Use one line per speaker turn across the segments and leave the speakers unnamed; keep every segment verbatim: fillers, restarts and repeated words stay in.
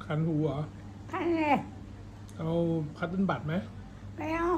คันหูเหรอ
คันเลย
เอาคัตเติ้ลบัตไหม
ไม่เอา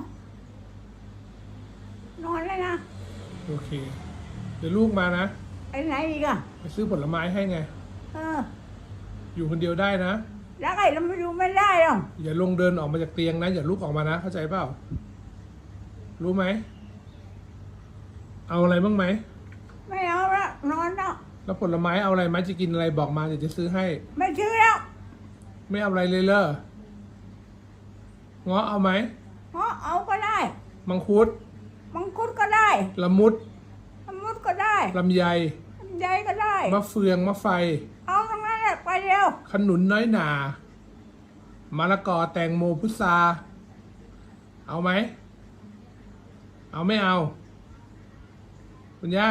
นอนเลยนะ
โอเค เดี๋ยวลูกมานะ
ไปไหนอีกอะ
ไปซื้อผลไม้ให้ไง
เออ
อยู่คนเดียวได้นะ
แล้วไอ้เราไม่ดูไม่ได้หรอก
อย่าลงเดินออกมาจากเตียงนะ อย่าลุกออกมานะ เข้าใจเปล่า รู้ไหม เอาอะไรบ้างไหม
ไม่เอาละนอนแล้ว
แล้วผลไม้เอาอะไรไหมจะกินอะไรบอกมาเดี๋ยวจะซื้อให้
ไม่ซื้อแล้ว
ไม่เอาอะไรเลยเลอเงาะเอาไหม
เพราะเอาก็ได้
มังคุด
มังคุดก็ได้
ละมุด
มะมุดก็ได้
ลำไย
ลำไยก็ได้
มะเฟืองมะไฟ
เอาตรงนั้นแหละไปเร็ว
ขนุนน้อยหนาม ะละกอแตงโมพุทราเอาไหม เอาไม่เอา คุณย่า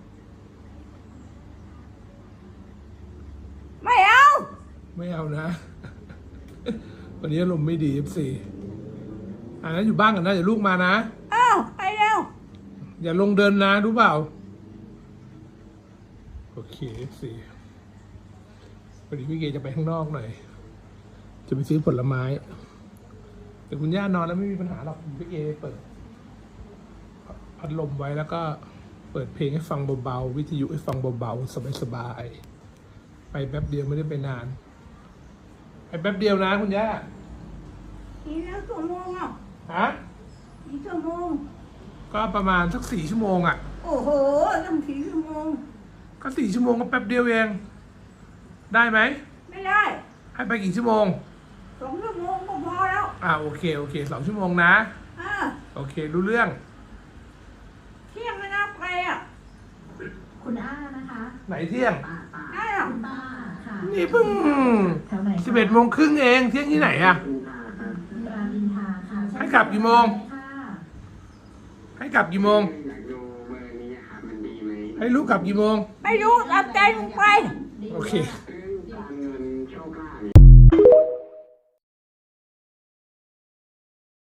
ไม่เอา
ไม่เอานะ วันนี้อารมณ์ไม่ดีสิอ่านั้นอยู่บ้านกันนะเดี๋ยวลูกมานะ
เอาไปเร็ว
อย่าลงเดินนะรู้เปล่า โอเคสิวันนี้พี่เกจะไปข้างนอกหน่อย จะไปซื้อผลไม้ แต่คุณย่านอนแล้วไม่มีปัญหาหรอกพี่เกเปิดพัดลมไว้แล้วก็เปิดเพลงให้ฟังเบาๆวิทยุให้ฟังเบาๆสบายๆไปแป๊บเดียวไม่ได้ไปนานไปแป๊บเดียวนะคุณย่า
อีกแล้วชั่วโมงอ่ะ
ฮะ
อีกชั่วโมง
ก็ประมาณสักสี่ชั่วโมงอ่ะ
โอ้โหตั้งสี่ชั่วโมง
ก็สี่ชั่วโมงก็แป๊บเดียวเอง ได้ไหม
ไม่ได้
ให้ไปกี่ชั่วโมง
สองชั่วโมงก็พอแล้ว
อ่าโอเคโอเคสองชั่วโมงนะ
อ่า
โอเครู้เรื่อง
เที่ยงไม่นับไปอ่ะ
คุณอานะคะ
ไหนเที่ยง
ป้าป้า
ได้หรอ
คุณป้าค่ะ
นี่เพิ่ง
แถวไหนคะ
สิบเอ็ดโมงครึ่งเองเที่ยงที่ไหนอะ
รามอินทราค่ะ
ให้กลับกี่โมง
ค่ะ
ให้กลับกี่โมง
อยากดูเบอร์นี้ครับมันดีไหม
ให้ลูกกลับกี่โมง
ไม่รู้รับใจมึงไป
โอเค
ค